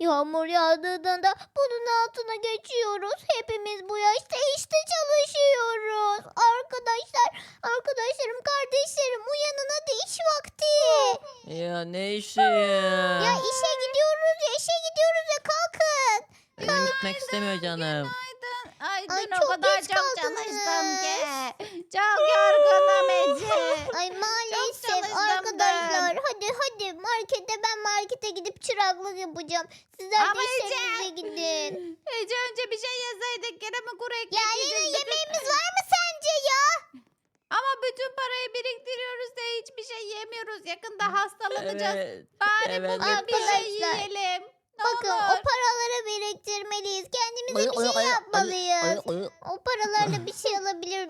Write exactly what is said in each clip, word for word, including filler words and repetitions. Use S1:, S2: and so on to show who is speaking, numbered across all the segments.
S1: Yağmur yağdığında bunun altına geçiyoruz. Hepimiz bu yaşta işte çalışıyoruz. Arkadaşlar, arkadaşlarım, kardeşlerim uyanın hadi iş vakti.
S2: Ya ne işi
S1: Ya
S2: ya?
S1: işe gidiyoruz ya, işe gidiyoruz ya, kalkın.
S2: Benim gitmek istemiyor canım.
S3: Ay
S1: Ay,
S3: dün o
S1: çok
S3: kadar
S1: geç
S3: çok
S1: kaldınız.
S3: çalıştım ki. Çok yorgunum Ece.
S1: Ay maalesef
S3: çalıştım
S1: arkadaşlar. Hadi hadi markete, ben markete gidip çıraklık yapacağım. Sizler
S3: Ama
S1: de işlerinize gidin.
S3: Ece önce bir şey yeseydik gene mi kuru ekmek
S1: Ya Lena,
S3: yiyecektik?
S1: yemeğimiz var mı sence ya?
S3: Ama bütün parayı biriktiriyoruz da hiçbir şey yemiyoruz. Yakında hastalanacağız.
S2: Evet.
S3: Bari
S2: evet.
S3: bugün bir şey
S1: Arkadaşlar,
S3: yiyelim. Ne
S1: Bakın
S3: olur.
S1: o paraları biriktirmeliyiz. Kendimize bir şey yapmalıyız. O paralarla bir şey alabilir.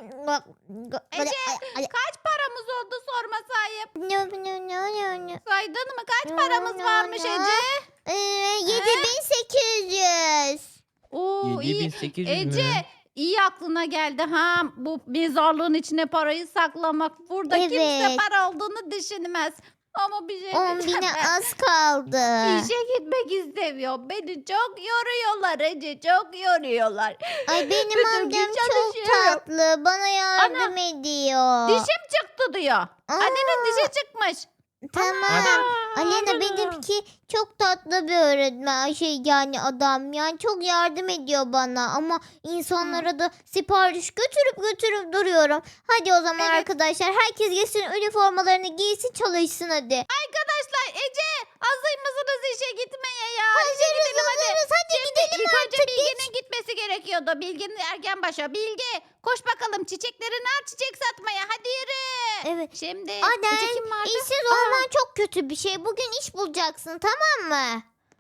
S3: Ece kaç paramız oldu sorma sahip.
S1: No, no, no, no, no.
S3: Saydın mı? Kaç
S1: No,
S3: paramız
S1: no,
S3: varmış
S1: no.
S3: Ece?
S1: Ee, yedi bin sekiz yüz.
S3: Oo iyi.
S2: yedi bin sekiz yüz
S3: Ece
S2: mü?
S3: iyi aklına geldi ha bu mezarlığın içine parayı saklamak. Burada kimse
S1: Evet.
S3: para olduğunu düşünmez. Ama bir şey
S1: on
S3: diyeceğim
S1: bine
S3: ben.
S1: az kaldı.
S3: İşe gitmek istemiyorum. Beni çok yoruyorlar Ece. Çok yoruyorlar.
S1: Ay benim
S3: Bütün gün
S1: amcam çok
S3: çalışıyorum.
S1: tatlı. Bana yardım ediyor.
S3: Dişim çıktı diyor. Annenin dişi çıkmış.
S1: Tamam.
S3: Aa,
S1: Alena benimki çok tatlı bir öğretmen, şey yani adam, yani çok yardım ediyor bana ama insanlara da sipariş götürüp götürüp duruyorum. Hadi o zaman
S3: Evet.
S1: arkadaşlar, herkes giysin üniformalarını, giysin çalışsın hadi.
S3: Arkadaşlar Ece hazır mısınız işe gitmeye ya?
S1: Hazırız, hazırız, hadi gidelim
S3: İlk önce
S1: artık.
S3: Bilge'nin gitmesi gerekiyordu. Bilge'nin erken başa. Bilge koş bakalım çiçeklerini al çiçek satmaya. Hadi yürü.
S1: Evet.
S3: Şimdi
S1: Aden,
S3: Ece kim vardı?
S1: İşsiz
S3: Aa.
S1: olman çok kötü bir şey. Bugün iş bulacaksın, tamam mı?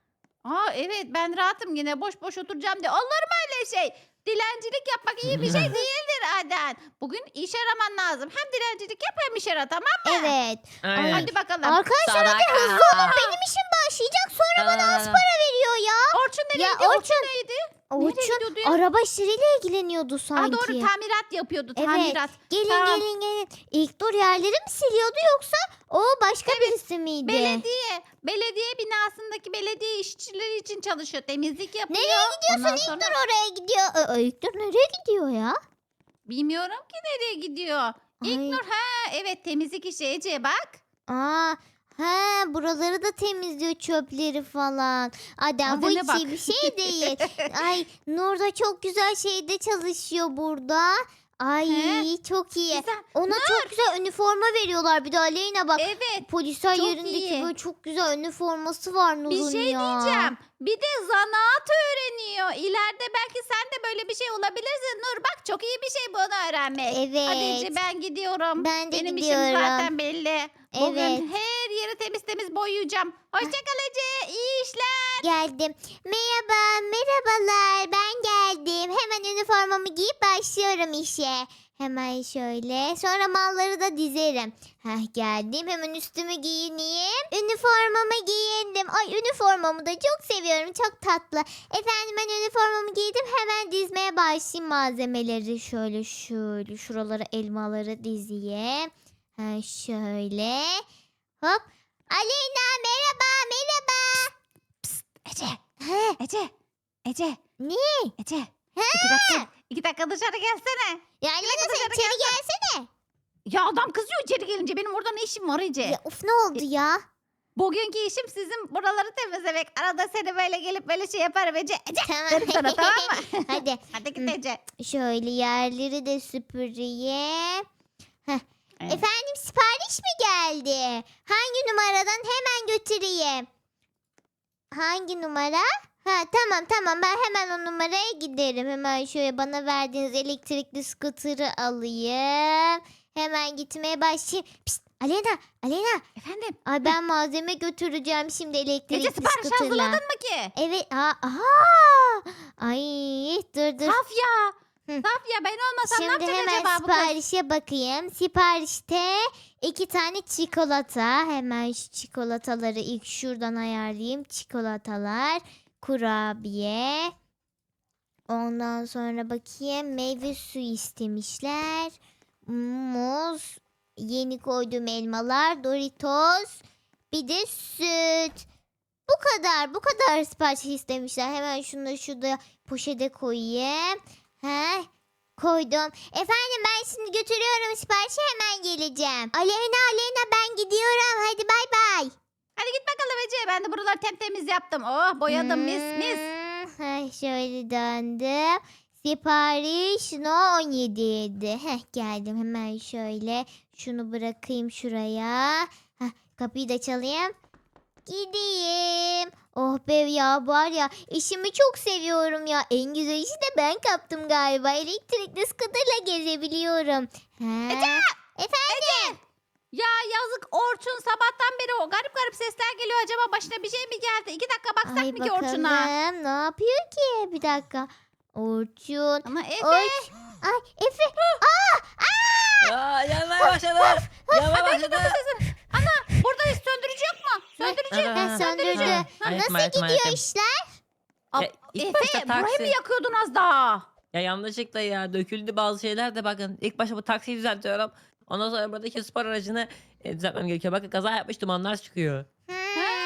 S3: Aa evet ben rahatım yine boş boş oturacağım diye. Olur mu öyle şey? Dilencilik yapmak iyi bir şey değildir Aden. Bugün iş araman lazım. Hem dilencilik yap hem iş ara, tamam mı?
S1: Evet.
S2: Aynen.
S3: Hadi bakalım.
S1: Arkadaşlar hadi
S2: Sadaka.
S1: hızlı olun, benim işim başlayacak, sonra bana az
S2: Aa.
S1: para veriyor ya.
S3: Orçun nereye
S1: Ya
S3: gidiyor? Orçun,
S1: Orçun-
S3: neydi?
S1: Orçun
S3: gidiyordu ya?
S1: araba işleriyle ilgileniyordu sanki.
S3: Ha doğru tamirat yapıyordu.
S1: Evet.
S3: Tamirat.
S1: Gelin
S3: Tamam.
S1: gelin gelin. İlk dur yerleri mi siliyordu yoksa o başka birisi miydi?
S3: Belediye. Belediye binasındaki belediye işçileri için çalışıyor. Temizlik yapıyor.
S1: Nereye gidiyorsun?
S3: Ondan
S1: İlk
S3: sonra-
S1: dur oraya gidiyor. Ee, İlk dur nereye gidiyor ya?
S3: Bilmiyorum ki nereye gidiyor.
S1: Ay.
S3: İlknur ha evet temizlik işi Ece bak.
S1: Aa, he buraları da temizliyor, çöpleri falan. Adem bu
S3: Adem'e
S1: hiç
S3: bak.
S1: iyi bir şey değil. Ay Nur da çok güzel şeyde çalışıyor burada. Ay
S3: He?
S1: çok iyi.
S3: Güzel.
S1: Ona çok güzel üniforma veriyorlar. Bir de Aleyna bak.
S3: Evet.
S1: Polisler
S3: çok
S1: yerindeki
S3: iyi.
S1: böyle çok güzel üniforması var Nur'un
S3: Bir şey
S1: ya.
S3: diyeceğim. Bir de zanaat öğreniyor. İleride belki sen de böyle bir şey olabilirsin. Nur bak çok iyi bir şey bunu öğrenmek.
S1: Evet.
S3: Hadi Ece ben gidiyorum.
S1: Ben de
S3: Benim
S1: gidiyorum.
S3: işim zaten belli. Bugün
S1: Evet.
S3: her yeri temiz temiz boyayacağım. Hoşçakal Ece. İyi işler.
S1: Geldim. Merhaba, merhabalar. Ben geldim. Hemen üniformamı giyip başlıyorum işe. Hemen şöyle. Sonra malları da dizerim. Heh geldim. Hemen üstümü giyineyim. Üniformamı giyindim. Ay üniformamı da çok seviyorum. Çok tatlı. Efendim ben üniformamı giydim. Hemen dizmeye başlayayım malzemeleri. Şöyle şöyle şuralara elmaları dizeyim. Ha şöyle. Hop. Aleyna merhaba merhaba.
S3: Ece.
S1: He,
S3: Ece. Ece.
S1: ne?
S3: Ece. İki dakika, iki dakika dışarı gelsene.
S1: Ya Aleyna sen
S3: dışarı
S1: içeri gelsene.
S3: Ya adam kızıyor içeri gelince. Benim orada ne işim var Ece?
S1: Ya of ne oldu ya?
S3: Bugünkü işim sizin buraları temizlemek. Arada seni böyle gelip böyle şey yaparım Ece. Ece
S1: Tamam.
S3: derim sana tamam mı?
S1: Hadi
S3: Hadi git Ece.
S1: şöyle yerleri de süpüreyim. Heh.
S3: Evet.
S1: Efendim sipariş mi geldi? Hangi numaradan hemen götüreyim? Hangi numara? Ha tamam tamam ben hemen o numaraya giderim. Hemen şöyle bana verdiğiniz elektrikli scooter'ı alayım. Hemen gitmeye başlayayım. Pişt, Alena, Alena.
S3: Efendim?
S1: Ay ben malzeme götüreceğim şimdi elektrikli
S3: Ece sipariş
S1: scooter'la.
S3: hazırladın mı ki?
S1: Evet. Aa, aha. Ay dur dur.
S3: Safya.
S1: Hı.
S3: Safya ben olmasam ne
S1: Şimdi
S3: yapacak
S1: hemen
S3: acaba bu kız?
S1: siparişe bakayım. Siparişte iki tane çikolata. Hemen şu çikolataları ilk şuradan ayarlayayım. Çikolatalar, kurabiye. Ondan sonra bakayım meyve suyu istemişler. Muz, yeni koyduğum elmalar, Doritos, bir de süt. Bu kadar. Bu kadar sipariş istemişler. Hemen şunu da şurada poşete koyayım. He, koydum. Efendim ben şimdi götürüyorum siparişi, hemen geleceğim. Aleyna Aleyna ben gidiyorum. Hadi bay bay.
S3: Hadi git bakalım Ece. Ben de buraları tertemiz yaptım. Oh boyadım mis mis.
S1: Hmm, heh, şöyle döndüm. Sipariş no on yedi ydi. Heh, geldim hemen şöyle. Şunu bırakayım şuraya. Heh, kapıyı da çalayım. Gideyim. Oh be ya, var ya işimi çok seviyorum ya. En güzel işi de ben kaptım galiba. Elektrikli scooter'la gezebiliyorum. He.
S3: Ece!
S1: Efendim?
S3: Ya yazık Orçun, sabahtan beri o garip garip sesler geliyor. Acaba başına bir şey mi geldi? İki dakika baksak
S1: Ay
S3: mı ki
S1: bakalım
S3: Orçun'a?
S1: ne yapıyor ki? Bir dakika. Orçun.
S3: Ama Efe.
S1: Orç. Ay Efe.
S2: Ya yanmaya başladı. Yanmaya başladı.
S3: Ana buradayız, söndürücü yok mu? Söndürücü.
S2: Ana.
S1: Ha, söndürdü.
S2: Ha,
S1: Nasıl
S2: ayıtma, ayıtma,
S1: gidiyor
S2: ayıtma.
S1: işler?
S3: Aa,
S2: Ya, ilk başta
S3: Efe burayı
S2: taksi.
S3: mı yakıyordun az daha?
S2: Ya yanlışlıkla ya döküldü bazı şeyler de, bakın. İlk başta bu taksiyi düzeltiyorum. Ondan sonra buradaki spor aracını e, düzeltmem gerekiyor. Bakın kaza yapmış, dumanlar çıkıyor.
S1: Hmm.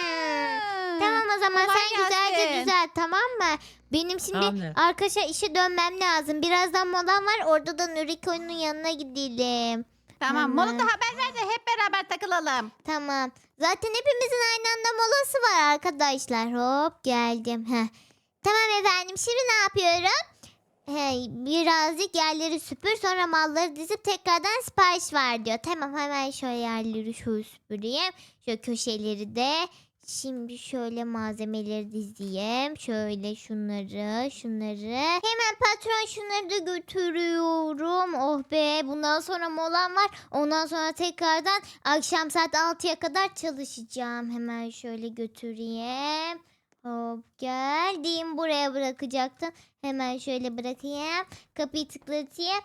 S3: Ha.
S1: Tamam o zaman
S3: Kolay
S1: sen güzelce
S3: gelsin.
S1: düzelt, tamam mı? Benim şimdi
S2: Tamamdır.
S1: arkadaşa işe dönmem lazım. Birazdan molam var. Orada da Nuriko'nun yanına gidelim.
S3: Tamam,
S1: Hemen.
S3: molada haber ver de hep beraber takılalım.
S1: Tamam. Zaten hepimizin aynı anda molası var arkadaşlar. Hop geldim. Heh. Tamam efendim, şimdi ne yapıyorum? Hey, birazcık yerleri süpür, sonra malları dizip tekrardan sipariş ver diyor. Tamam, hemen şöyle yerleri şöyle süpüreyim. Şöyle köşeleri de. Şimdi şöyle malzemeleri dizeyim. Şöyle şunları, şunları. Hemen patron şunları da götürüyorum. Oh be, bundan sonra molam var. Ondan sonra tekrardan akşam saat altıya kadar çalışacağım. Hemen şöyle götüreyim. Hop geldim, buraya bırakacaktım. Hemen şöyle bırakayım. Kapıyı tıklatayım.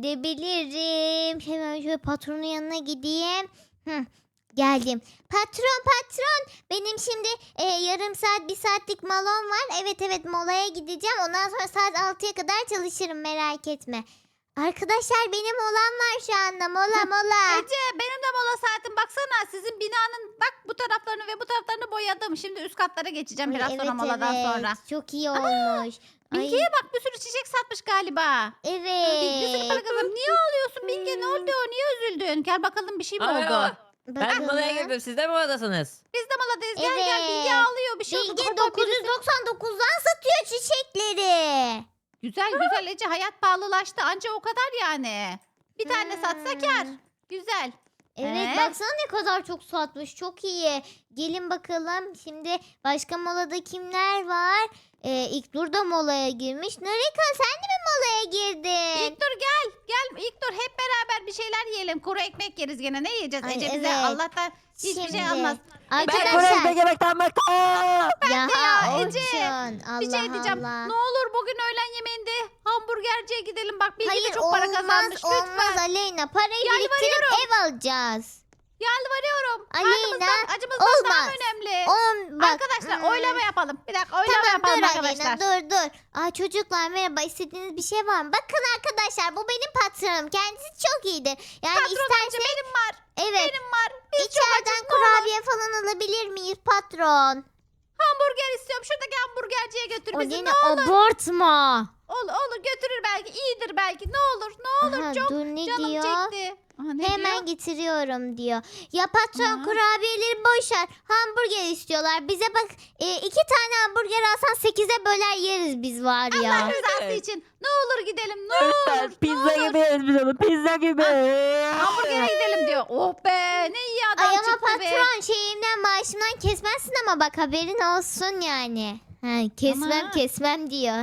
S1: Gidebilirim. Hemen şöyle patronun yanına gideyim. Hı, geldim. Patron patron. Benim şimdi e, yarım saat bir saatlik molom var. Evet evet, molaya gideceğim. Ondan sonra saat altıya kadar çalışırım, merak etme. Arkadaşlar benim molam var şu anda. Mola mola.
S3: Ece benim de mola saatim, baksana sizin binanın bak bu taraflarını ve bu taraflarını boyadım. Şimdi üst katlara geçeceğim
S1: Ay,
S3: biraz
S1: evet,
S3: sonra moladan
S1: evet.
S3: sonra.
S1: Çok iyi olmuş. Ay,
S3: Bilge'ye bak, bir sürü çiçek satmış galiba.
S1: evet.
S3: Güzel para kazan. Niye ağlıyorsun Bilge, ne oldu? Niye üzüldün? Gel bakalım, bir şey mi
S2: Aa,
S3: oldu?
S2: merhaba. Ben
S1: Bakalım.
S2: molaya girdim. Siz de mi oradasınız?
S3: Biz de moladayız. Gel gel,
S1: Evet.
S3: Bilge ağlıyor. Bir şey oldu.
S1: Bilge
S3: Galiba birisi-
S1: dokuz yüz doksan dokuzdan satıyor çiçekleri.
S3: Güzel güzel Ece, hayat pahalılaştı. Anca o kadar yani. Bir tane satsa
S1: Hmm.
S3: kar. Güzel.
S1: Evet,
S3: Ee?
S1: baksana ne kadar çok satmış. Çok iyi. Gelin bakalım. Şimdi başka molada kimler var? Ee, İlknur da molaya girmiş. Nurika sen de mi molaya girdin?
S3: İlk dur gel. Gel ilk dur, hep beraber bir şeyler yiyelim. Kuru ekmek yeriz gene. Ne yiyeceğiz
S1: Ay,
S3: Ece bize?
S1: evet.
S3: Allah'tan hiçbir
S1: Şimdi,
S3: şey almaz.
S1: Arkadaşlar.
S2: yemekten bıktım.
S1: Ya,
S3: ya, Ece.
S1: Orçun, Allah
S3: Bir şey diyeceğim.
S1: Allah.
S3: Ne olur bugün öğlen yemeğinde hamburgerciye gidelim. Bak Bilge de
S1: Hayır,
S3: çok para
S1: olmaz
S3: kazanmış.
S1: olmaz
S3: Lütfen.
S1: Aleyna. Parayı
S3: Yalvarıyorum.
S1: biriktirip ev alacağız.
S3: Yalvarıyorum.
S1: Aleyna,
S3: Karnımızdan, acımızdan daha
S1: olmaz.
S3: mı önemli?
S1: On, bak,
S3: Arkadaşlar
S1: hmm.
S3: oylama yapalım. Bir dakika oylama
S1: Tamam
S3: yapalım
S1: dur
S3: arkadaşlar.
S1: Aleyna, dur dur. Aa, çocuklar merhaba, istediğiniz bir şey var mı? Bakın arkadaşlar, bu benim patronum. Kendisi çok iyidir. Yani
S3: Patron amca
S1: isterse
S3: benim var.
S1: evet,
S3: Benim var. Biz çok
S1: içeriden
S3: açız, ne olur.
S1: kurabiye falan alabilir miyiz patron?
S3: Hamburger istiyorum. Şuradaki hamburgerciye götür
S1: O
S3: bizi.
S1: yine
S3: Ne olur.
S1: abartma.
S3: Olur olur, götürür belki. İyidir belki. Ne olur ne olur.
S1: Aha,
S3: Çok
S1: dur ne
S3: canım
S1: diyor?
S3: çekti. Aha, ne
S1: Hemen
S3: diyor?
S1: getiriyorum diyor. Ya patron,
S3: Hı.
S1: kurabiyeleri boş ver. Hamburger istiyorlar. Bize bak, e, iki tane hamburger alsan sekize böler yeriz biz var ya.
S3: Allah rızası
S2: Evet.
S3: için. Ne olur gidelim. Ne olur.
S2: Pizza
S3: ne olur.
S2: gibi yiyoruz biz onu. Pizza gibi.
S3: Hamburger'e gidelim diyor. Oh be, ne iyi adam
S1: Ay ama
S3: çıktı be.
S1: patron, şeyimden maaşımdan kesmezsin ama bak, haberin olsun yani. Ha, kesmem
S3: Ama-
S1: kesmem diyor.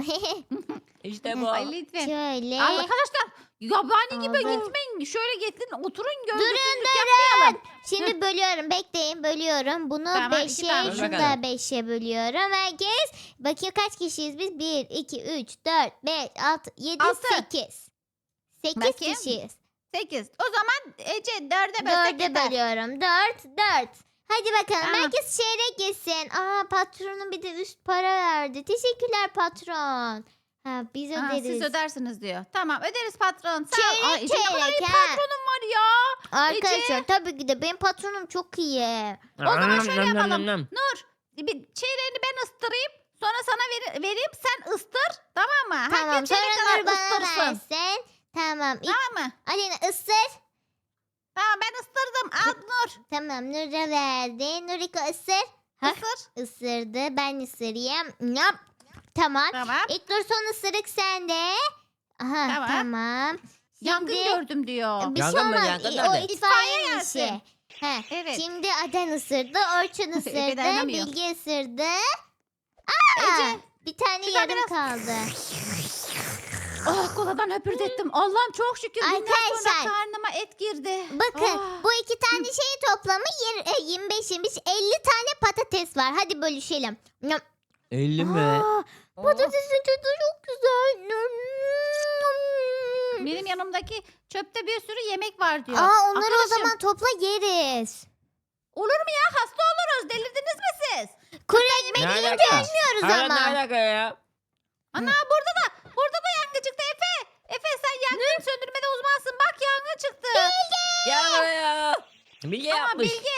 S2: İşte bu.
S3: Ay lütfen.
S1: Şöyle.
S3: Arkadaşlar yabani gibi
S1: Aldım.
S3: gitmeyin. Şöyle getirin, oturun,
S1: Durun
S3: görgüsüzlük
S1: durun.
S3: yapmayalım.
S1: Şimdi bölüyorum, bekleyin, bölüyorum. Bunu
S3: Tamam, iki
S1: beşe,
S3: tane.
S1: şunu
S2: Bakalım.
S1: da beşe bölüyorum. Herkes bakayım kaç kişiyiz biz? bir, iki, üç, dört, beş, altı, yedi,
S3: Altı.
S1: sekiz. sekiz
S3: Bakayım.
S1: kişiyiz.
S3: Sekiz. O zaman Ece dörde bölsek
S1: Dörde
S3: yeter.
S1: bölüyorum. Dört, dört. Hadi bakalım,
S3: Tamam.
S1: herkes çeyrek yesin. Aa, patronun bir de üst para verdi. Teşekkürler patron. Ha, biz
S3: Ha,
S1: öderiz.
S3: siz ödersiniz diyor. Tamam öderiz patron. Sağ ol.
S1: Çeyrek,
S3: Aa, Ece ne kadar iyi
S1: çeyrek, ha.
S3: patronum var ya.
S1: Arkadaşlar tabii ki de benim patronum çok iyi.
S3: O zaman şöyle
S2: Nam, nam,
S3: yapalım.
S2: nam, nam.
S3: Nur bir şeylerini ben ıstırayım. Sonra sana veri- vereyim sen ıstır. Tamam mı?
S1: Tamam
S3: Herkes çeyrek
S1: sonra Nur
S3: kadar
S1: bana
S3: ıstırsın.
S1: versin. Tamam. İlk
S3: Tamam mı?
S1: Aleyna ısır.
S3: Tamam ben ıstırdım. Al Nur.
S1: Tamam Nur'a verdi. Nuriko ısır. Hah.
S3: Isır.
S1: Isırdı. Ben ısırayım. Yap. Tamam.
S3: Tamam.
S1: İlk dur son ısırık sende. Aha
S3: Tamam.
S1: tamam.
S3: Yangın
S1: Şimdi-
S3: gördüm diyor.
S1: Bir şey
S2: Yangın mı?
S1: olmaz.
S2: Yangın
S1: O
S2: nerede?
S1: itfaiye
S3: İtfaiye
S1: işi.
S3: gelsin.
S1: Heh.
S3: Evet.
S1: Şimdi Aden ısırdı. Orçun
S3: Efe
S1: ısırdı.
S3: dayanamıyor.
S1: Bilge ısırdı.
S3: Ece.
S1: Bir tane
S3: şuradan
S1: yarım
S3: biraz-
S1: kaldı.
S3: Oh koladan höpürdettim. Allah'ım çok şükür. Bundan
S1: Arkadaşlar,
S3: sonra karnıma et girdi.
S1: Bakın
S3: Ah.
S1: bu iki tane şeyin toplamı yir- e, yirmi beş yirmi beş elli tane patates var. Hadi bölüşelim. Nyam.
S2: elli mi?
S1: Aa,
S3: Oh.
S1: patatesin tadı çok güzel.
S3: Benim yanımdaki çöpte bir sürü yemek var diyor.
S1: Aa, onları o
S3: Arkadaşım,
S1: zaman topla yeriz.
S3: olur mu ya? Hasta oluruz. Delirdiniz mi siz?
S1: Kuru
S2: Ne
S1: ekmek yiyince
S2: alaka?
S1: ölmüyoruz
S2: Hala
S1: ama.
S2: ne alaka ya?
S3: Ana burada da burada da yangın çıktı Efe. Efe sen yangın söndürmede uzmansın. Bak yangın çıktı.
S2: Gel buraya. Bilge
S3: Tamam
S2: yapmış.
S3: Bilge.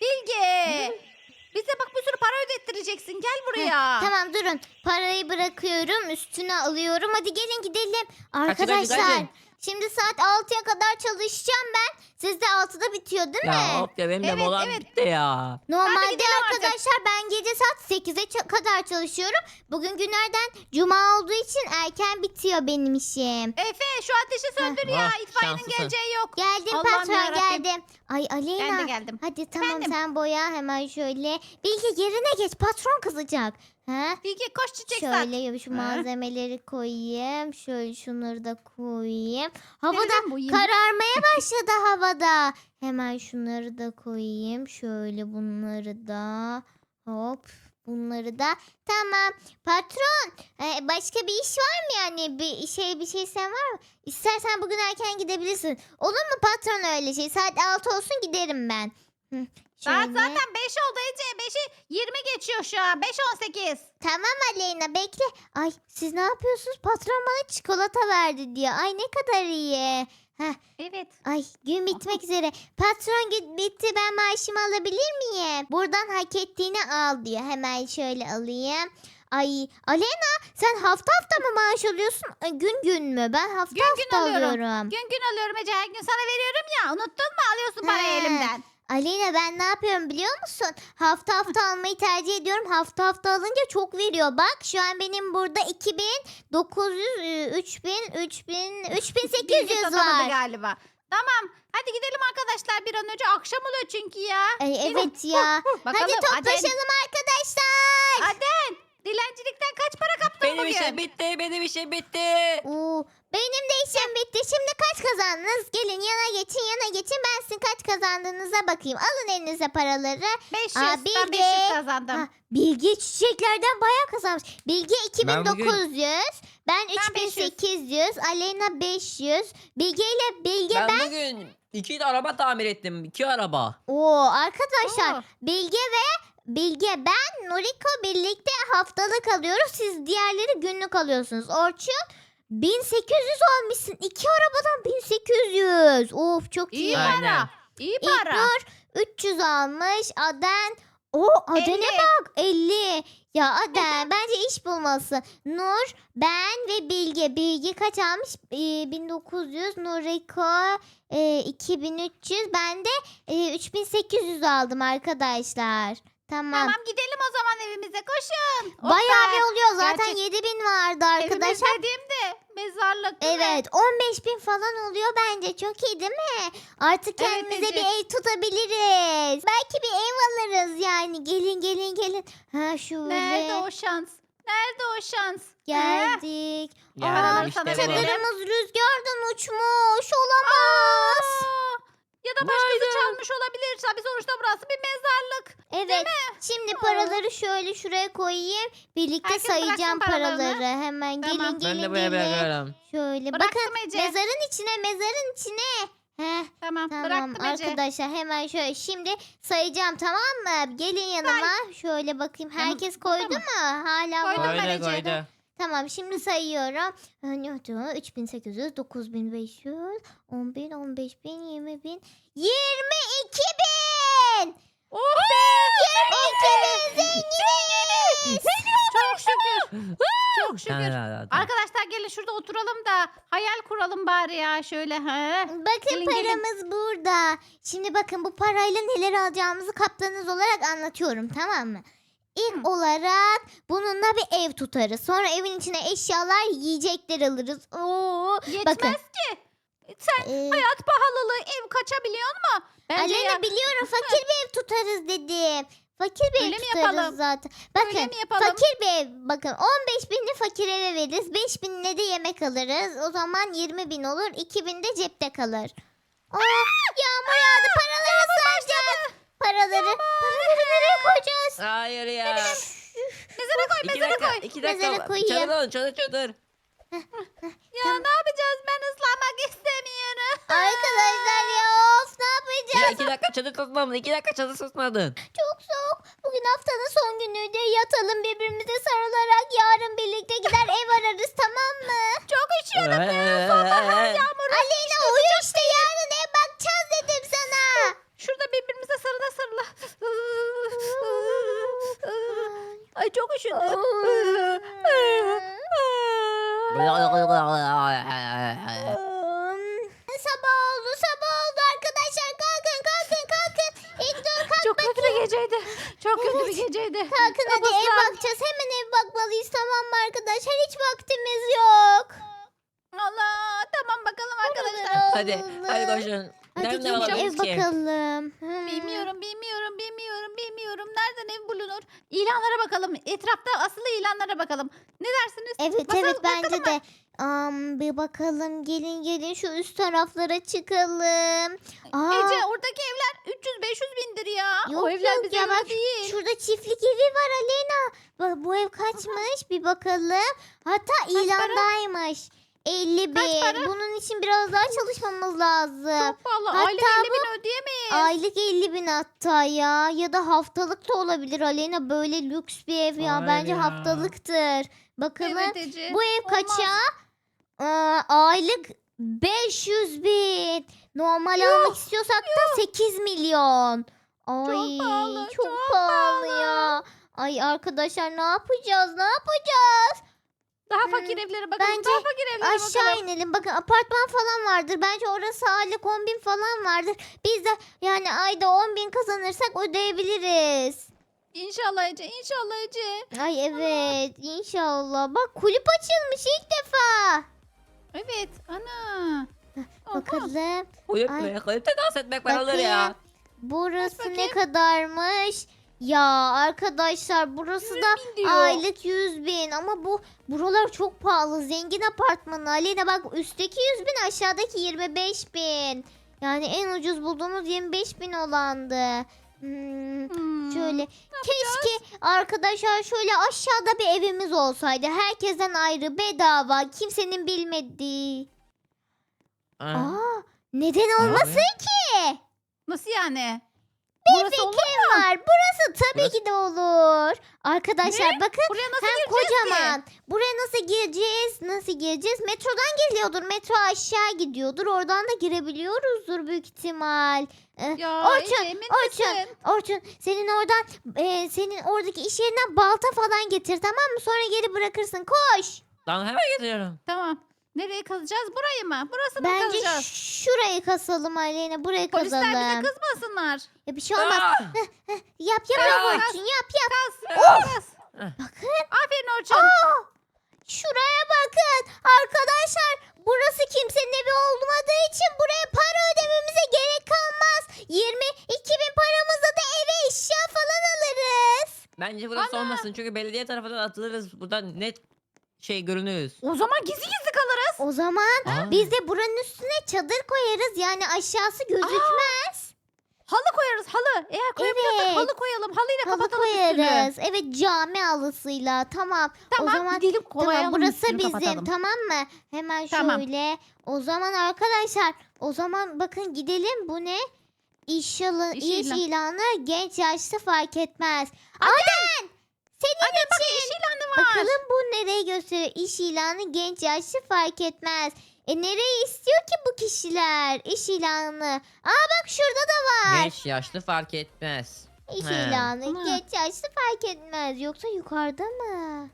S3: Bilge. Bize bak bir sürü para ödettireceksin. Gel buraya.
S1: Tamam durun. Parayı bırakıyorum. Üstüne alıyorum. Hadi gelin gidelim. Arkadaşlar.
S2: kaçın.
S1: Şimdi saat altıya kadar çalışacağım ben. Sizde altıda bitiyor değil mi?
S2: Ya hop ya benim de
S3: Evet,
S2: molam
S3: evet.
S2: bitti ya.
S1: Normalde
S3: gidelim artık.
S1: arkadaşlar ben gece saat sekize ça- kadar çalışıyorum. Bugün günlerden cuma olduğu için erken bitiyor benim işim.
S3: Efe şu ateşi söndür ya.
S2: Ah,
S3: İtfaiyenin
S2: şanslısın.
S3: geleceği yok.
S1: Geldim
S3: Allah'ım
S1: patron
S3: yarabbim.
S1: geldim. Ay Aleyna.
S3: Ben de geldim.
S1: Hadi tamam
S3: Efendim?
S1: sen boya hemen şöyle. Bilge yerine geç patron kızacak. Ha?
S3: Bilge koş çiçek sat.
S1: Şöyle şu
S3: Ha?
S1: malzemeleri koyayım. Şöyle şunları da koyayım. Havada
S3: Nereden boyayayım?
S1: kararmaya başladı havada. Hemen şunları da koyayım. Şöyle bunları da. Hop. Bunları da. Tamam. Patron. e, başka bir iş var mı yani? Bir şey bir şey sen var mı? İstersen bugün erken gidebilirsin. Olur mu patron öyle şey? Saat altı olsun giderim ben. Hı,
S3: Saat
S1: şöyle.
S3: zaten beş oldu Ece. beşi yirmi geçiyor şu an. beş on sekiz.
S1: Tamam Aleyna bekle. Ay siz ne yapıyorsunuz? Patron bana çikolata verdi diyor. Ay ne kadar iyi. Heh,
S3: Evet.
S1: ay gün bitmek üzere. Patron gün bitti ben maaşımı alabilir miyim? Buradan hak ettiğini al diyor. Hemen şöyle alayım. Ay Aleyna sen hafta hafta mı maaş alıyorsun? Ay, gün gün mü? Ben hafta
S3: Gün gün
S1: hafta
S3: alıyorum.
S1: alıyorum.
S3: Gün gün alıyorum Ece. Her gün sana veriyorum ya. Unuttun mu? Alıyorsun parayı
S1: He.
S3: elimden.
S1: Aleyna ben ne yapıyorum biliyor musun? Hafta hafta almayı tercih ediyorum. Hafta hafta alınca çok veriyor. Bak şu an benim burada iki bin dokuz yüz, e, üç bin, üç bin, üç bin sekiz
S3: Bilgi
S1: yüz
S3: satamadı
S1: var.
S3: galiba. Tamam. Hadi gidelim arkadaşlar bir an önce. Akşam oluyor çünkü ya.
S1: Ay,
S3: Yine-
S1: evet ya.
S3: Bakalım.
S1: Hadi toplaşalım arkadaşlar.
S3: Aden. Dilencilikten kaç para kaptın
S2: Benim
S3: bugün?
S2: işim bitti. Benim işim bitti.
S1: Oo, benim de işim bitti. Şimdi kaç kazandınız? Gelin yana geçin yana geçin. Ben sizin kaç kazandığınıza bakayım. Alın elinize paraları.
S3: beş yüz.
S1: Aa,
S3: Ben
S1: Bilge.
S3: beş yüz kazandım.
S1: Ha, Bilge çiçeklerden bayağı kazanmış. Bilge
S2: Ben bugün-
S1: iki bin dokuz yüz. Ben üç bin sekiz yüz. Aleyna beş yüz. Bilge ile Bilge ben.
S2: Ben bugün iki de araba tamir ettim. İki araba.
S1: Oo, arkadaşlar
S3: Oo.
S1: Bilge ve Bilge ben Noriko birlikte haftalık alıyoruz. Siz diğerleri günlük alıyorsunuz. Orçun bin sekiz yüz almışsın. İki arabadan bin sekiz yüz. Of çok iyi.
S3: İyi
S2: Aynen.
S3: para. İyi para.
S1: İlknur üç yüz almış. Aden o Aden'e
S3: elli.
S1: bak elli. Ya Aden bence iş bulması. Nur, ben ve Bilge. Bilge kaç almış? Ee, bin dokuz yüz. Noriko e, iki bin üç yüz. Ben de e, üç bin sekiz yüz aldım arkadaşlar. Tamam.
S3: Tamam gidelim o zaman evimize. Koşun. Oh
S1: Bayağı
S3: be.
S1: bir oluyor. Zaten
S3: Gerçek-
S1: yedi bin vardı arkadaşlar.
S3: Evimiz dediğimde mezarlık değil mi?
S1: Evet on beş bin falan oluyor bence. Çok iyi değil mi? Artık
S3: Evet,
S1: kendimize
S3: Ece.
S1: bir ev tutabiliriz. Belki bir ev alırız yani. Gelin gelin gelin. Ha şöyle.
S3: Nerede o şans? Nerede o şans? Ha?
S1: Geldik.
S2: Geldim
S1: Aa,
S2: işte
S3: sana
S2: bu.
S3: verelim.
S1: çadırımız rüzgardan uçmuş. Olamaz.
S3: Aa, ya da başkası çalmış olabilir. Tabii sonuçta burası bir mezarlık.
S1: Evet. Şimdi paraları şöyle şuraya koyayım. Birlikte
S3: Herkes
S1: sayacağım
S3: bıraksın paralarını.
S1: paraları. Hemen
S3: Tamam.
S1: gelin
S2: Ben
S1: gelin
S2: de buraya
S1: gelin.
S2: bırakıyorum.
S1: Şöyle
S3: Bıraktım
S1: bakın
S3: Ece.
S1: mezarın içine mezarın içine. Heh.
S3: Tamam,
S1: Tamam
S3: bıraktım Ece.
S1: arkadaşlar hemen şöyle şimdi sayacağım tamam mı? Gelin yanıma. Şöyle bakayım
S3: Yanım-
S1: herkes
S3: burada
S1: koydu
S3: mı?
S1: mu? Hala
S3: Koydum
S1: var.
S3: ben
S2: Koydu
S3: Ece'ye de.
S2: koydu.
S1: Tamam şimdi sayıyorum. üç bin sekiz yüz, dokuz bin beş yüz, on bin, on beş bin, yirmi bin, yirmi iki bin.
S3: Oh be!
S1: yirmi iki bin zenginiz.
S3: Çok şükür. Çok şükür.
S2: Tamam, tamam, tamam.
S3: Arkadaşlar gelin şurada oturalım da hayal kuralım bari ya şöyle. He.
S1: Bakın
S3: Gelin, gelin.
S1: paramız burada. Şimdi bakın bu parayla neler alacağımızı kaptanız olarak anlatıyorum, tamam mı? İlk
S3: Hı.
S1: olarak bununla bir ev tutarız. Sonra evin içine eşyalar, yiyecekler alırız. Oo,
S3: Yetmez
S1: bakın.
S3: ki. Sen
S1: Ee,
S3: hayat pahalılığı ev kaçabiliyor mu? Bence
S1: Aleyna
S3: ya,
S1: biliyorum, fakir bir ev tutarız dedim. Fakir bir
S3: Öyle
S1: ev
S3: mi
S1: tutarız
S3: yapalım?
S1: zaten.
S3: öyle
S1: Bakın
S3: mi yapalım?
S1: fakir bir ev. Bakın on beş binini fakir eve veririz. beş binine de yemek alırız. O zaman yirmi bin olur. iki bin de cepte kalır. Aa, yağmur yağdı. Paraları saracağız. Paraları. Paraları nereye koyacağız?
S2: Hayır ya.
S3: Mezara koy
S2: İki
S3: mezara
S2: dakika,
S3: koy.
S2: iki
S1: Mezara
S2: dakika.
S1: koyayım.
S2: Çadır olun, çadır çadır.
S3: Ya ne yapacağız ben ıslanmak istemiyorum.
S1: Arkadaşlar ya of, ne yapacağız?
S2: Ya iki dakika çadır tutmadın, iki dakika çadır tutmadın.
S1: Çok soğuk. Bugün haftanın son günüydü. Yatalım birbirimize sarılarak. Yarın birlikte gider ev ararız, tamam mı?
S3: Çok üşüyorum ya.
S2: Ee,
S3: Yağmur.
S1: Aleyna uyu işte, yarın ev bakacağız dedim sana.
S3: Şurada birbirimize sarıla sarıla. Ay çok üşüdüm.
S1: Sabah oldu, sabah oldu arkadaşlar. Kalkın, kalkın, kalkın. İlk dur kalk
S3: Çok kötü bir geceydi. Çok kötü
S1: Evet.
S3: bir geceydi.
S1: Kalkın hadi, ev
S3: Kabuslar.
S1: bakacağız. Hemen ev bakmalıyız, tamam mı arkadaşlar? Hiç vaktimiz yok.
S3: Allah tamam bakalım arkadaşlar.
S2: Hadi, hadi koşun.
S1: Hadi
S2: Nerede
S1: gelin
S2: alabiliriz
S1: ev
S2: ki?
S1: bakalım. Hmm.
S3: Bilmiyorum, bilmiyorum, bilmiyorum, bilmiyorum. Nereden ev bulunur? İlanlara bakalım. Etrafta asılı ilanlara bakalım. Ne dersiniz?
S1: Evet
S3: Bakalım,
S1: evet bence
S3: bakalım
S1: de. Am, bir bakalım, gelin gelin şu üst taraflara çıkalım. Aa,
S3: Ece oradaki evler üç yüz beş yüz bindir ya.
S1: Yok,
S3: o evler
S1: yok
S3: bize
S1: ya,
S3: göre
S1: bak
S3: değil.
S1: şurada çiftlik evi var Aleyna. Bak bu ev kaçmış bir bakalım. Hatta
S3: para?
S1: ilandaymış. elli
S3: Kaç
S1: bin.
S3: para?
S1: Bunun için biraz daha çalışmamız lazım.
S3: Çok pahalı.
S1: Hatta
S3: Aylık elli bin ödeyemeyiz.
S1: Aylık elli bin hatta ya. Ya da haftalık da olabilir Aleyna. Böyle lüks bir ev ya.
S2: Hayır
S1: Bence
S2: ya.
S1: haftalıktır. Bakalım
S3: Evet Ece.
S1: bu ev
S3: olmaz.
S1: kaça? Aa, aylık beş yüz bin. Normal almak istiyorsak da sekiz milyon. Ay,
S3: pahalı,
S1: çok,
S3: çok
S1: pahalı
S3: pahalı.
S1: ya. Ay arkadaşlar, ne yapacağız? Ne yapacağız?
S3: Daha
S1: Hmm,
S3: fakir evlere bakalım.
S1: bence
S3: Daha fakir evlere
S1: Aşağı
S3: bakalım.
S1: inelim. Bakın apartman falan vardır. Bence orası aylık on bin falan vardır. Biz de yani ayda on bin kazanırsak ödeyebiliriz.
S3: İnşallah Ece. İnşallah Ece.
S1: Ay evet, inşallah. Bak kulüp açılmış ilk defa.
S3: Evet. Ana. Oha.
S1: Bakalım.
S2: Uyutmaya, kalite dans etmek paraları ya.
S1: Bakayım. Burası
S3: Aç
S1: ne
S3: bakayım.
S1: kadarmış? Ya arkadaşlar burası da
S3: bin diyor.
S1: aylık yüz bin ama bu buralar çok pahalı. Zengin apartmanı. Aleyna bak, üstteki yüz bin, aşağıdaki yirmi beş bin. Yani en ucuz bulduğumuz yirmi beş bin olandı. Hmm,
S3: Hmm.
S1: şöyle keşke arkadaşlar şöyle aşağıda bir evimiz olsaydı. Herkesten ayrı, bedava, kimsenin bilmediği.
S2: Aa,
S1: Aa, neden olmasın ki?
S3: Nasıl yani?
S1: Bir
S3: Burası olur
S1: fikrim var. Burası tabii
S2: Burası-
S1: ki de olur. Arkadaşlar bakın,
S3: Buraya nasıl
S1: hem
S3: gireceğiz
S1: kocaman.
S3: ki?
S1: Buraya nasıl gireceğiz? Nasıl gireceğiz? Metrodan geliyordur. Metro aşağı gidiyordur. Oradan da girebiliyoruzdur büyük ihtimal. Ee,
S3: Ya
S1: Orçun,
S3: Ece emin
S1: Orçun,
S3: misin?
S1: Orçun, senin oradan e, senin oradaki iş yerinden balta falan getir, tamam mı? Sonra geri bırakırsın. Koş.
S2: Tamam, hemen getiriyorum.
S3: Tamam. Nereye kazacağız? Burayı mı? Burası mı
S1: Bence
S3: kazacağız?
S1: şurayı kasalım Aleyna. Burayı
S3: Polisler bize
S1: kazalım.
S3: kızmasınlar.
S1: Ya bir şey olmaz.
S2: Aa!
S1: Yap yap
S2: Aa!
S1: yap Orçun, yap yap.
S3: Kaz.
S2: Oh!
S3: Kaz.
S1: Bakın.
S3: Aferin Orçun.
S1: Aa, şuraya bakın. Arkadaşlar burası kimsenin evi olmadığı için buraya para ödememize gerek kalmaz. yirmi iki bin paramızla da eve eşya falan alırız.
S2: Bence burası
S3: Ana!
S2: olmasın çünkü belediye tarafından atılırız. Buradan net şey görünüyoruz.
S3: O zaman gizli gizli kalırız.
S1: O zaman
S2: Aa.
S1: biz de buranın üstüne çadır koyarız. Yani aşağısı gözükmez.
S3: Halı koyarız halı. Eğer koyabiliyorsak
S1: Evet.
S3: halı koyalım. Halıyla
S1: Halı
S3: kapatalım üstünü.
S1: koyarız. Evet, cami halısıyla. Tamam.
S3: Tamam
S1: O zaman
S3: gidelim koyalım
S1: tamam, burası
S3: üstünü
S1: bizim,
S3: kapatalım.
S1: tamam mı? Hemen
S3: Tamam.
S1: şöyle. O zaman arkadaşlar, o zaman bakın gidelim. Bu ne? İş, yalı,
S3: İş
S1: iş
S3: ilan-
S1: ilanı genç yaşlı fark etmez. Aden! Senin
S3: Bak
S1: için.
S3: iş ilanı var.
S1: Bakalım bu nereyi gösteriyor? İş ilanı genç yaşlı fark etmez. E nereyi istiyor ki bu kişiler? İş ilanı. Aa bak şurada da var.
S2: Genç yaşlı fark etmez.
S1: İş
S2: He.
S1: ilanı
S3: Ana.
S1: geç yaşlı fark etmez. Yoksa yukarıda mı?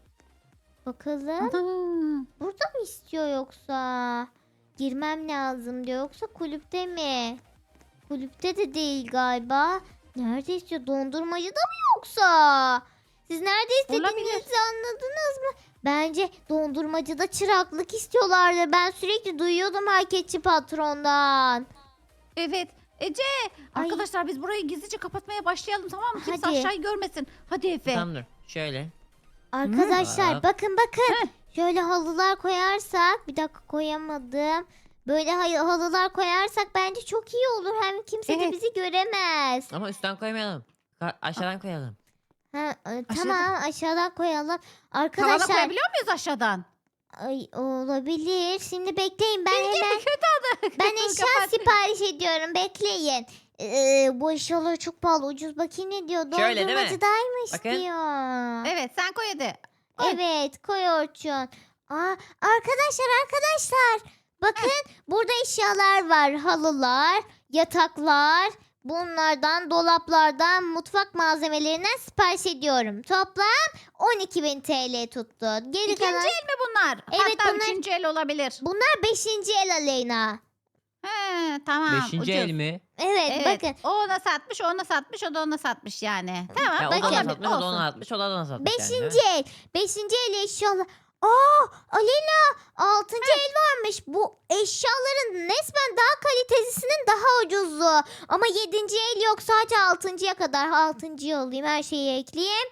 S1: Bakalım.
S3: Ana.
S1: Burada mı istiyor yoksa? Girmem lazım diyor. Yoksa kulüpte mi? Kulüpte de değil galiba. Nerede istiyor? Dondurmacıda mı yoksa? Siz nerede istediğinizi
S3: Olabilir.
S1: anladınız mı? Bence dondurmacıda çıraklık istiyorlardı. Ben sürekli duyuyordum marketçi patrondan.
S3: Evet. Ece.
S1: Ay.
S3: Arkadaşlar biz burayı gizlice kapatmaya başlayalım, tamam mı? Kimse
S1: Hadi.
S3: aşağıyı görmesin. Hadi Efe.
S2: Tamam dur. Şöyle.
S1: Arkadaşlar
S2: Bak.
S1: bakın bakın.
S3: Heh.
S1: Şöyle halılar koyarsak. Bir dakika koyamadım. Böyle hay- halılar koyarsak bence çok iyi olur. Hem kimse de
S3: Evet.
S1: bizi göremez.
S2: Ama üstten koymayalım. Ka- aşağıdan koyalım.
S1: Ha, e, tamam aşağıdan koyalım.
S3: Tavana
S1: Arkadaşlar
S3: koyabiliyor muyuz aşağıdan?
S1: ay, olabilir. Şimdi bekleyin ben
S3: Bilge
S1: hemen
S3: kötü adı.
S1: ben eşya
S3: Kapat.
S1: sipariş ediyorum. Bekleyin. Ee, bu eşyalar çok pahalı. Ucuz bakayım ne diyor.
S2: Şöyle değil mi?
S1: Dondurmacıdaymış
S2: Bakın.
S1: diyor.
S3: Evet sen koy hadi. Koy.
S1: Evet koy Orçun. Aa, arkadaşlar arkadaşlar bakın burada eşyalar var. Halılar, yataklar. Bunlardan dolaplardan mutfak malzemelerinden sipariş ediyorum. Toplam on iki bin T L tuttu. Geri
S3: İkinci
S1: kalan
S3: el mi bunlar?
S1: Evet,
S3: Hatta
S1: bunlar-
S3: üçüncü el olabilir.
S1: bunlar beşinci el Aleyna.
S3: He, tamam.
S2: Beşinci
S3: ucuz.
S2: el mi?
S1: Evet,
S3: Evet.
S1: bakın
S3: O ona satmış, o ona satmış, o da ona satmış yani. Tamam.
S2: Ya, o
S1: bakın.
S2: da ona
S3: olabilir,
S2: satmış, o da
S3: olsun.
S2: ona atmış, o da ona satmış. yani,
S1: beşinci el. Beşinci el eşyalar. Aa Aleyna altıncı el varmış. Bu eşyaların resmen daha kalitesinin daha ucuzu. Ama yedinci el yok sadece altıncıya kadar. Altıncıyı alayım her şeyi ekleyeyim.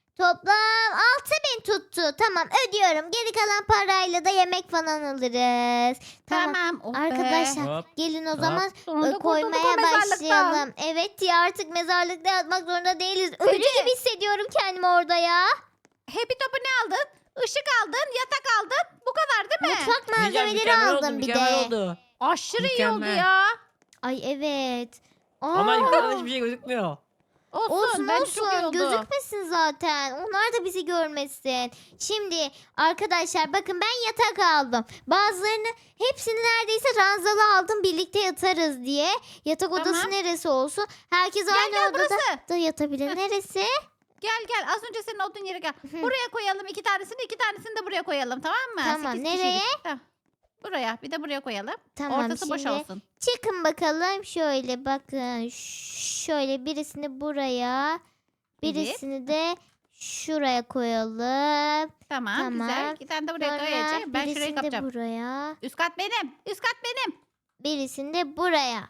S1: Toplam altı bin tuttu. Tamam ödüyorum. Geri kalan parayla da yemek falan alırız. Tamam.
S3: Tamam. oh be.
S1: Arkadaşlar
S2: Hop.
S1: gelin o
S2: Hop.
S1: zaman
S3: Sonunda
S1: e,
S3: kurtulduk
S1: koymaya
S3: o mezarlıktan.
S1: başlayalım. Evet ya artık mezarlıkta yatmak zorunda değiliz. Ölü
S3: Ece.
S1: gibi hissediyorum kendimi orada ya.
S3: Happy Top'u ne aldın? Işık aldın, yatak aldın. Bu kadar değil mi?
S1: Mutfak
S2: Diyeceğim,
S1: malzemeleri
S2: mükemmel oldu,
S1: aldım bir
S2: mükemmel
S1: de.
S2: oldu.
S3: Aşırı iyi oldu
S2: Mükemmel.
S3: ya.
S1: Ay evet. Aa,
S2: Ama yukarıdan hiçbir şey gözükmüyor.
S3: Olsun,
S1: olsun
S3: bence çok iyi
S1: olsun
S3: oldu.
S1: gözükmesin zaten. Onlar da bizi görmesin. Şimdi arkadaşlar bakın ben yatak aldım. Bazılarını hepsini neredeyse ranzalı aldım birlikte yatarız diye. Yatak odası
S3: Tamam.
S1: neresi olsun? Herkes
S3: Gel
S1: aynı
S3: gel
S1: odada
S3: burası.
S1: da yatabilir. Neresi?
S3: Gel gel az önce senin olduğun yere gel. Buraya koyalım iki tanesini, iki tanesini de buraya koyalım, tamam mı?
S1: Tamam,
S3: Sekiz
S1: nereye?
S3: kişilik. Tamam. Buraya, bir de buraya koyalım.
S1: Tamam
S3: Ortası boş
S1: şimdi
S3: olsun.
S1: çıkın bakalım şöyle bakın Ş- şöyle birisini buraya birisini de şuraya koyalım.
S3: Tamam,
S1: Tamam.
S3: güzel. İki tane de buraya
S1: Sonra
S3: koyacağım. Ben şurayı
S1: birisini de
S3: kapacağım.
S1: buraya
S3: Üst kat benim. Üst kat benim.
S1: birisini de buraya.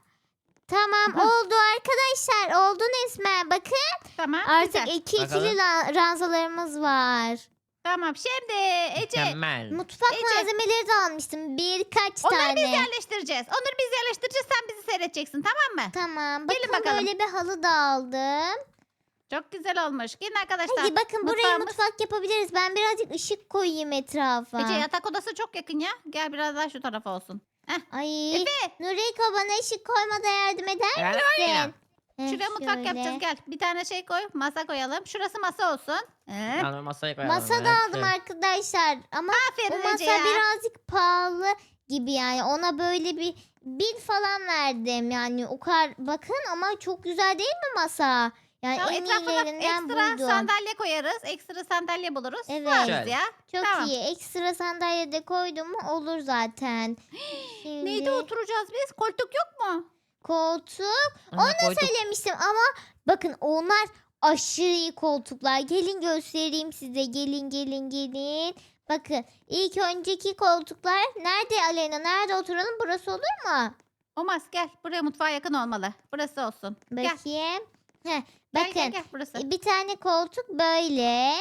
S1: Tamam
S3: Hı.
S1: oldu arkadaşlar oldu resmen bakın
S3: Tamam,
S1: artık
S3: güzel.
S1: iki ikili
S2: Bakalım.
S1: la- ranzalarımız var.
S3: Tamam, şimdi Ece.
S2: Mükemmel.
S1: Mutfak
S3: Ece.
S1: malzemeleri de almıştım birkaç
S3: Onları biz
S1: tane.
S3: yerleştireceğiz. Onları biz yerleştireceğiz. Sen bizi seyredeceksin, tamam mı?
S1: Tamam
S3: Gelin
S1: bakın
S3: bakalım.
S1: böyle bir halı da aldım.
S3: Çok güzel olmuş. Gelin arkadaşlar.
S1: Hadi bakın buraya
S3: Mutfağımız-
S1: mutfak yapabiliriz. Ben birazcık ışık koyayım etrafa.
S3: Ece yatak odası çok yakın ya. Gel biraz daha şu tarafa olsun.
S1: Ay
S3: Efe.
S1: Nuriko bana ışık koymada yardım eder
S2: Gel
S1: misin?
S2: oraya.
S1: Heh,
S3: Şuraya mutfak
S1: şöyle.
S3: yapacağız, gel. Bir tane şey koy. Masa koyalım. Şurası masa olsun. Ee,
S2: Tamam, masaya koyalım.
S1: Masa da
S2: evet.
S1: aldım arkadaşlar ama bu
S3: Aferin
S1: masa
S3: Ece ya.
S1: birazcık pahalı gibi yani. Ona böyle bir bin falan verdim yani. O kadar bakın ama çok güzel değil mi masa? Yani
S3: Tamam,
S1: en
S3: etrafına
S1: iyilerinden
S3: ekstra
S1: buldum.
S3: sandalye koyarız. Ekstra sandalye buluruz.
S1: Evet.
S3: Sığarız
S2: Şöyle.
S3: ya.
S1: Çok
S3: Tamam.
S1: iyi. Ekstra sandalye de koydum mu olur zaten. Şimdi
S3: Neydi oturacağız biz? Koltuk yok mu?
S1: koltuk.
S2: Aha,
S1: Onu
S2: koyduk.
S1: söylemiştim ama bakın onlar aşırı iyi koltuklar. Gelin göstereyim size. Gelin gelin gelin. Bakın ilk önceki koltuklar nerede Aleyna? Nerede oturalım? Burası olur mu?
S3: Olmaz, gel. Buraya mutfağa yakın olmalı. Burası olsun. Gel.
S1: Bakayım. Heh,
S3: Gel
S1: bakın
S3: gel gel burası.
S1: bir tane koltuk böyle.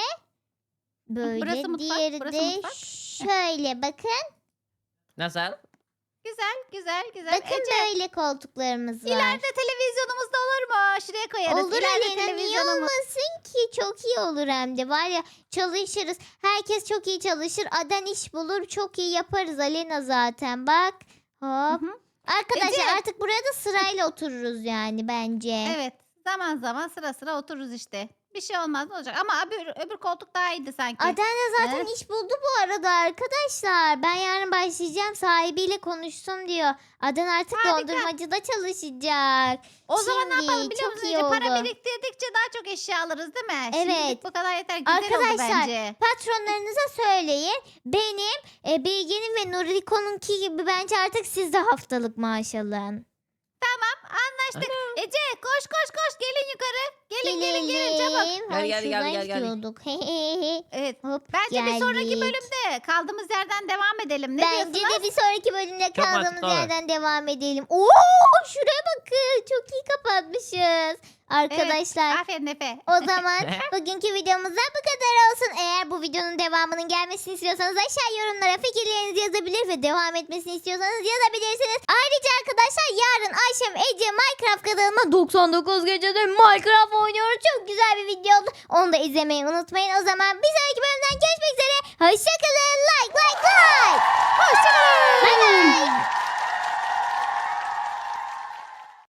S1: Böyle.
S3: burası mutfak,
S1: Diğeri
S3: burası
S1: de
S3: mutfak.
S1: şöyle bakın.
S3: Şey
S2: Nasıl?
S3: Güzel güzel güzel.
S1: Bakın
S3: Ece,
S1: böyle koltuklarımız var.
S3: ileride televizyonumuz da olur mu? Şuraya koyarız.
S1: Olur
S3: İleride
S1: Aleyna niye
S3: televizyonumuz.
S1: olmasın ki çok iyi olur hem de var ya çalışırız herkes çok iyi çalışır Aden iş bulur çok iyi yaparız Aleyna zaten bak
S3: Hı
S1: hop
S3: hı.
S1: arkadaşlar
S3: Ece.
S1: artık burada sırayla otururuz yani bence
S3: Evet. Zaman zaman sıra sıra otururuz işte. Bir şey olmaz, ne olacak? Ama öbür, öbür koltuk daha iyiydi sanki.
S1: Aden de zaten
S3: Evet.
S1: iş buldu bu arada arkadaşlar. Ben yarın başlayacağım, sahibiyle konuştum diyor. Aden artık
S3: Harika.
S1: dondurmacıda çalışacak.
S3: O zaman ne
S1: Şimdi
S3: yapalım biliyor
S1: çok
S3: musun?
S1: iyi
S3: Ece? Para
S1: oldu.
S3: biriktirdikçe daha çok eşya alırız değil mi?
S1: Evet.
S3: Şimdilik bu kadar yeter. Güzel oldu
S1: Arkadaşlar,
S3: bence.
S1: Patronlarınıza söyleyin. Benim, e, Bilge'nin ve Nuriko'nunki gibi bence artık siz de haftalık maaş alın.
S3: Anlaştık. Ece koş koş koş gelin yukarı. Gelin gelin gelin çabuk.
S1: Ay,
S2: Gel, gel, gel,
S1: şuradan
S2: gel, gel.
S1: gidiyorduk.
S3: Evet.
S1: Hop,
S3: Bence bir sonraki
S1: geldik.
S3: bölümde kaldığımız yerden devam edelim. Ne
S1: Bence
S3: diyorsunuz?
S1: de bir sonraki bölümde
S2: Çok
S1: kaldığımız
S2: mantıklı olur.
S1: yerden devam edelim. Oo, şuraya bakın. Çok iyi kapatmışız. Arkadaşlar,
S3: Aferin Efe.
S1: o zaman bugünkü videomuzdan bu kadar olsun. Eğer bu videonun devamının gelmesini istiyorsanız aşağı yorumlara fikirlerinizi yazabilir ve devam etmesini istiyorsanız yazabilirsiniz. Ayrıca arkadaşlar yarın Ayşem Ece Minecraft kanalıma doksan dokuz gecede Minecraft oynuyoruz. Çok güzel bir video oldu. Onu da izlemeyi unutmayın. O zaman bir sonraki bölümden görüşmek üzere. Hoşçakalın.